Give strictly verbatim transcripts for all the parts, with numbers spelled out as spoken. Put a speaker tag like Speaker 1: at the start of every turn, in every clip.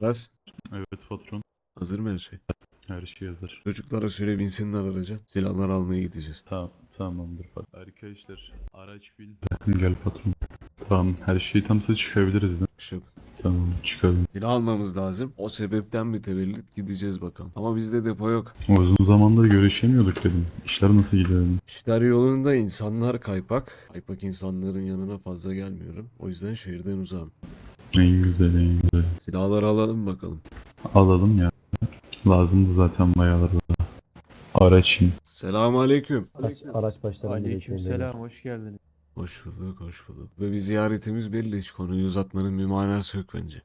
Speaker 1: Aras,
Speaker 2: Evet patron.
Speaker 1: hazır mı her şey?
Speaker 2: Her şey hazır.
Speaker 1: Çocuklara söyle binsinler araca. Silahları almaya gideceğiz.
Speaker 2: Tamam, tamamdır patron. Arkadaşlar araç bin. Gel patron. Tamam her şey tamsa çıkabiliriz de.
Speaker 1: Bir şey yok.
Speaker 2: Tamam çıkalım.
Speaker 1: Silah almamız lazım. O sebepten mütevellit gideceğiz bakalım. Ama bizde depo yok.
Speaker 2: Uzun zamandır görüşemiyorduk dedim. İşler nasıl gidiyor dedim.
Speaker 1: İşler yolunda, insanlar kaypak. Kaypak insanların yanına fazla gelmiyorum. O yüzden şehirden uzağım.
Speaker 2: En güzel en güzel.
Speaker 1: Silahları alalım bakalım.
Speaker 2: Alalım ya. Lazımdı zaten bayağıdır da. Araç in.
Speaker 1: Selamun aleyküm.
Speaker 3: Araç, araç başlarında
Speaker 4: Aleykümselam, hoş geldiniz.
Speaker 1: Hoş bulduk, hoş bulduk. Ve bir ziyaretimiz belli. Hiç konuyu uzatmanın bir manası yok bence.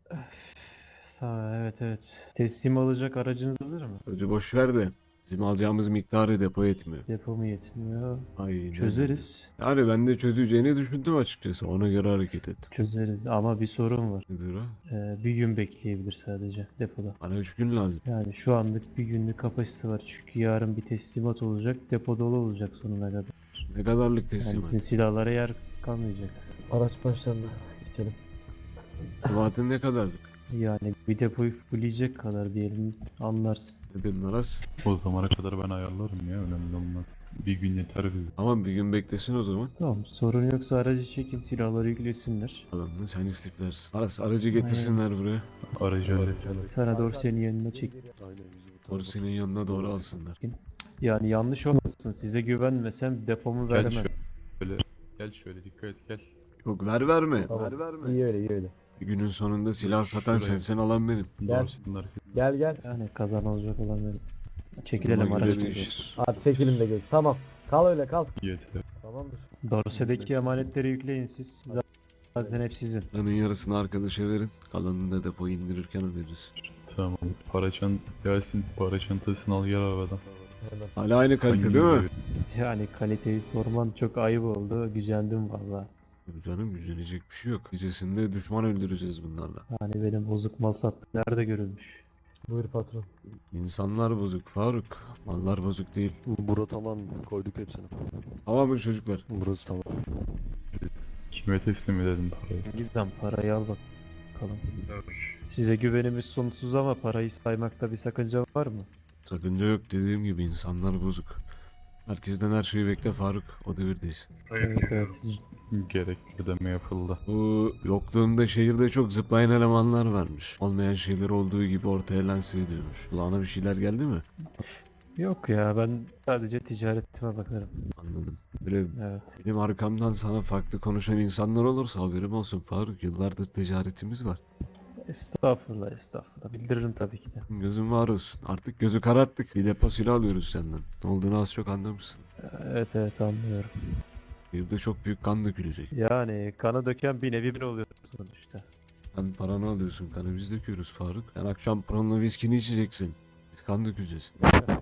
Speaker 4: Sağ evet evet. Teslim alacak aracınız hazır mı?
Speaker 1: Önce boş ver de. Bizim alacağımız miktarı depo etmiyor.
Speaker 4: Depo mu yetmiyor?
Speaker 1: Aynen.
Speaker 4: Çözeriz.
Speaker 1: Yani ben de çözeceğini düşündüm açıkçası. Ona göre hareket ettim.
Speaker 4: Çözeriz ama bir sorun var.
Speaker 1: Nedir o?
Speaker 4: Ee, bir gün bekleyebilir sadece depoda.
Speaker 1: Bana üç gün lazım.
Speaker 4: Yani şu anlık bir günlük kapasitesi var çünkü yarın bir teslimat olacak. Depo dolu olacak sonuna kadar.
Speaker 1: Ne kadarlık
Speaker 4: Yani
Speaker 1: teslimat?
Speaker 4: sizin silahlara yer kalmayacak.
Speaker 3: Araç başlarında geçelim.
Speaker 1: Teslimatın ne kadarlık?
Speaker 4: Yani bir depoyu fulleyecek kadar diyelim, anlarsın.
Speaker 1: Ne dedin Aras?
Speaker 2: O zamana kadar ben ayarlarım ya önemli olmaz. Bir gün yeter bize.
Speaker 1: Tamam bir gün beklesin o zaman.
Speaker 4: Tamam, sorun yoksa aracı çekin, silahları yüklesinler.
Speaker 1: Adamını sen istiflersin. Aras aracı getirsinler buraya.
Speaker 2: Aracı hallet.
Speaker 4: Sana doğru senin yanına çek.
Speaker 1: Doğru senin yanına doğru alsınlar.
Speaker 4: Yani yanlış olmasın. Size güvenmesem depomu
Speaker 2: Gel
Speaker 4: veremem.
Speaker 2: şöyle. Gel şöyle dikkat et gel.
Speaker 1: Yok ver verme.
Speaker 3: Tamam. İyi öyle iyi öyle.
Speaker 1: Günün sonunda silah satan
Speaker 2: Şuraya.
Speaker 1: sensin alan benim.
Speaker 3: Gel.
Speaker 2: Doğrusunlar.
Speaker 3: Gel gel.
Speaker 4: Yani kazanılacak olan benim. Çekilelim,
Speaker 1: Buna
Speaker 4: araç
Speaker 1: göre
Speaker 4: çekelim.
Speaker 1: değişir.
Speaker 3: Hadi çekilin de geç. Tamam. Kal öyle kal.
Speaker 2: Yeter.
Speaker 3: Tamamdır.
Speaker 4: Dorse'deki emanetleri yükleyin siz. Zaten hep sizin.
Speaker 1: Paranın yarısını arkadaşa verin. Kalanını da depoyu indirirken öderiz.
Speaker 2: Tamam. Para çant gelsin. Para çantasını al gel arabadan.
Speaker 3: Hemen.
Speaker 1: Hala aynı kalite
Speaker 2: Hangi
Speaker 1: değil mi?
Speaker 2: gibi?
Speaker 4: Yani kaliteyi sorman çok ayıp oldu. Gücendim valla.
Speaker 1: Canım gücenecek bir şey yok. Gecesinde düşman öldüreceğiz bunlarla.
Speaker 4: Yani benim bozuk mal sattım. Nerede görülmüş?
Speaker 3: Buyur patron.
Speaker 1: İnsanlar bozuk Faruk. Mallar bozuk değil.
Speaker 5: Bura tamam, koyduk hepsini.
Speaker 1: Tamam mı çocuklar?
Speaker 5: Burası tamam.
Speaker 2: Kime teslim edelim parayı?
Speaker 4: Gizem, parayı al bakalım. Size güvenimiz sonsuz ama parayı saymakta bir sakınca var mı?
Speaker 1: Sakınca yok, dediğim gibi insanlar bozuk. Herkesten her şeyi bekle Faruk. O devirdeyiz.
Speaker 4: Evet evet.
Speaker 2: Gerekli ödeme yapıldı.
Speaker 1: Bu yokluğunda şehirde çok zıplayan elemanlar varmış. Olmayan şeyler olduğu gibi ortaya lanse ediyormuş. Kulağına bir şeyler geldi mi?
Speaker 4: Yok ya, ben sadece ticaretime bakarım.
Speaker 1: Anladım. Böyle
Speaker 4: Evet.
Speaker 1: benim arkamdan sana farklı konuşan insanlar olursa haberim olsun Faruk. Yıllardır ticaretimiz var.
Speaker 4: Estağfurullah estağfurullah. Bildiririm tabii ki de.
Speaker 1: Gözün var olsun. Artık gözü kararttık. Bir depo silah alıyoruz senden. Ne olduğunu az çok anlamışsın.
Speaker 4: Evet evet, anlıyorum.
Speaker 1: Şehirde çok büyük kan dökülecek.
Speaker 4: Yani kanı döken bir nevi bir oluyor sonuçta.
Speaker 1: Sen paranı alıyorsun, kanı biz döküyoruz Faruk. Sen akşam paranla viskini içeceksin. Biz kan dökeceğiz.
Speaker 4: Evet.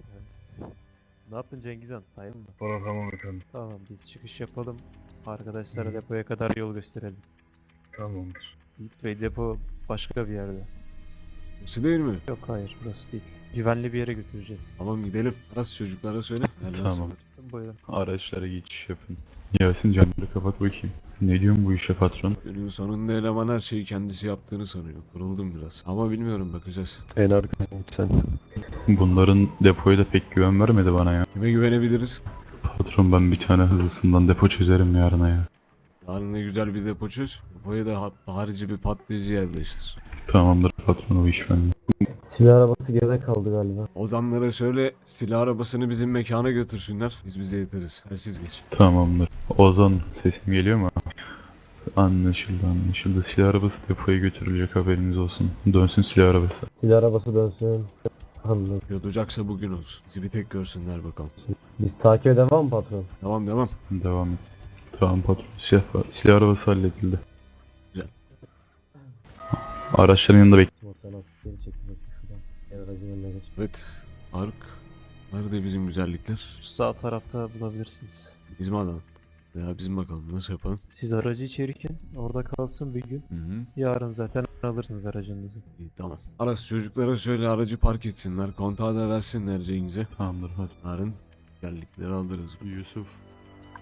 Speaker 4: Ne yaptın Cengizhan, sayın mı?
Speaker 2: Para tamam efendim.
Speaker 4: Tamam, biz çıkış yapalım. Arkadaşlara depoya kadar yol gösterelim.
Speaker 2: Tamamdır.
Speaker 4: Yiğit Bey, depo başka bir yerde.
Speaker 1: Burası değil mi?
Speaker 4: Yok hayır, burası değil. Güvenli bir yere götüreceğiz.
Speaker 1: Tamam gidelim. Aras çocuklara söyle.
Speaker 2: Tamam.
Speaker 4: Buyurun.
Speaker 2: Araçlara geçiş yapın. Yasin camları kapat bakayım. Ne diyorsun bu işe patron?
Speaker 1: Günün sonunda eleman her şeyi kendisi yaptığını sanıyor. Kuruldum biraz. Ama bilmiyorum, bakacağız.
Speaker 5: En arkadan git sen.
Speaker 2: Bunların depoya da pek güven vermedi bana ya.
Speaker 1: Kime güvenebiliriz?
Speaker 2: Patron ben bir tane hızlısından depo çözerim yarına ya.
Speaker 1: Yarın ne güzel bir depo çöz. Depoya da ha- harici bir patlayıcı yerleştir.
Speaker 2: Tamamdır patron o iş bende.
Speaker 3: Silah arabası geride kaldı galiba.
Speaker 1: Ozanlara söyle silah arabasını bizim mekana götürsünler. Biz bize yeteriz. Hersiz geç.
Speaker 2: Tamamdır. Ozan sesim geliyor mu? Anlaşıldı anlaşıldı. Silah arabası depoya götürülecek haberiniz olsun. Dönsün silah arabası.
Speaker 3: Silah arabası dönsün. Anladım.
Speaker 1: Yolacaksa bugün olsun. Bizi bir tek görsünler bakalım.
Speaker 3: Biz takip edemem mi patron?
Speaker 1: Devam devam.
Speaker 2: Devam et. Tamam patron. Silah, silah arabası halledildi.
Speaker 1: Güzel.
Speaker 2: Araçların yanında bek.
Speaker 3: Motordan geri çekil bakayım şuradan. Gel aracın yanına geç.
Speaker 1: Evet. Faruk. Nerede bizim güzellikler?
Speaker 4: Şu sağ tarafta bulabilirsiniz.
Speaker 1: Biz mi alalım? Veya biz mi bakalım? Nasıl yapalım?
Speaker 4: Siz aracı içerirken orada kalsın bir gün.
Speaker 1: Hı hı.
Speaker 4: Yarın zaten alırsınız aracınızı.
Speaker 1: İyi, tamam. Aras çocuklara söyle aracı park etsinler. Kontağı da versinler Cengiz'e.
Speaker 2: Tamamdır hadi.
Speaker 1: Yarın güzellikleri alırız.
Speaker 2: Yusuf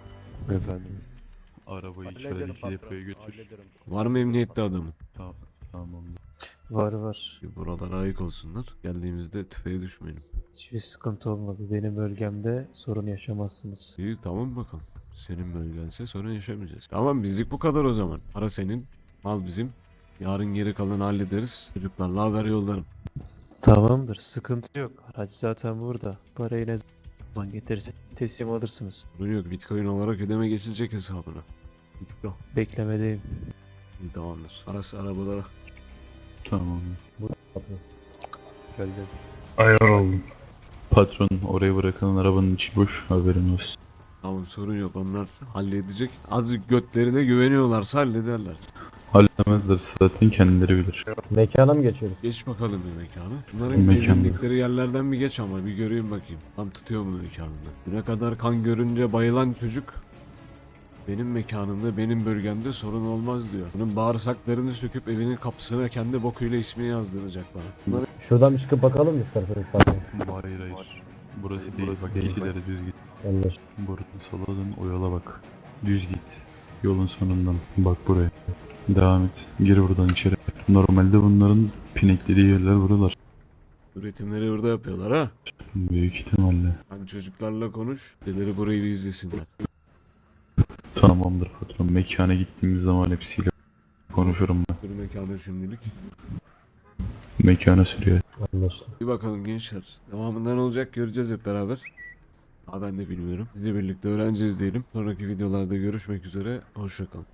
Speaker 5: Efendim.
Speaker 2: arabayı içerideki depoya götür.
Speaker 1: Var mı emniyette adamın?
Speaker 2: Tamam. Tamamdır.
Speaker 4: Var var.
Speaker 1: Bir buralara ayık olsunlar. Geldiğimizde tüfeğe düşmeyelim.
Speaker 4: Hiçbir sıkıntı olmadı. Benim bölgemde sorun yaşamazsınız.
Speaker 1: İyi tamam bakalım. Senin bölgense sorun yaşamayacağız. Tamam bizlik bu kadar o zaman. Para senin, mal bizim. Yarın geri kalanı hallederiz. Çocuklarla haber yollarım.
Speaker 4: Tamamdır. Sıkıntı yok. Araç zaten burada. Parayı ne zaman getirirse teslim alırsınız.
Speaker 1: Sorun yok. Bitcoin olarak ödeme geçilecek hesabına. Gittik o.
Speaker 4: Beklemedeyim.
Speaker 1: İyi tamamdır. Arası arabalara.
Speaker 2: Tamamdır.
Speaker 3: Patron.
Speaker 5: Gel gel.
Speaker 2: Ayar oldum. Patron oraya bırakılan arabanın içi boş, haberin olsun.
Speaker 1: Tamam sorun yok. Onlar halledecek. Azıcık götlerine güveniyorlarsa hallederler.
Speaker 2: Halledemezler zaten, kendileri bilir.
Speaker 3: Mekana mı geçiyoruz?
Speaker 1: Geç bakalım bir mekana. Bunların
Speaker 2: Mekanda.
Speaker 1: gezindikleri yerlerden bir geç ama bir göreyim bakayım. Tam tutuyor mu mekanında? Düne kadar kan görünce bayılan çocuk benim mekanımda, benim bölgemde sorun olmaz diyor. Bunun bağırsaklarını söküp evinin kapısına kendi bokuyla ismini yazdıracak bana.
Speaker 3: Şuradan bir çıkıp bakalım mı isterseniz patron?
Speaker 2: Hayır hayır. Burası değil, bak gel ileri düz git.
Speaker 3: Yanlış.
Speaker 2: Buradan sola dön, o yola bak. Düz git. Yolun sonundan bak buraya. Devam et. Gir buradan içeri. Normalde bunların pineklediği yerler buralar.
Speaker 1: Üretimleri burada yapıyorlar ha.
Speaker 2: Büyük ihtimalle.
Speaker 1: Hani çocuklarla konuş, dedeleri burayı bir izlesinler.
Speaker 2: Tamamdır patron. Mekana gittiğimiz zaman hepsiyle konuşurum ben.
Speaker 1: Bir mekana şimdilik.
Speaker 2: Mekana sürüyor.
Speaker 3: Anlaşıldı.
Speaker 1: Bir bakalım gençler. Devamında ne olacak göreceğiz hep beraber. Ha ben de bilmiyorum. Sizle birlikte öğreneceğiz diyelim. Sonraki videolarda görüşmek üzere. Hoşça kalın.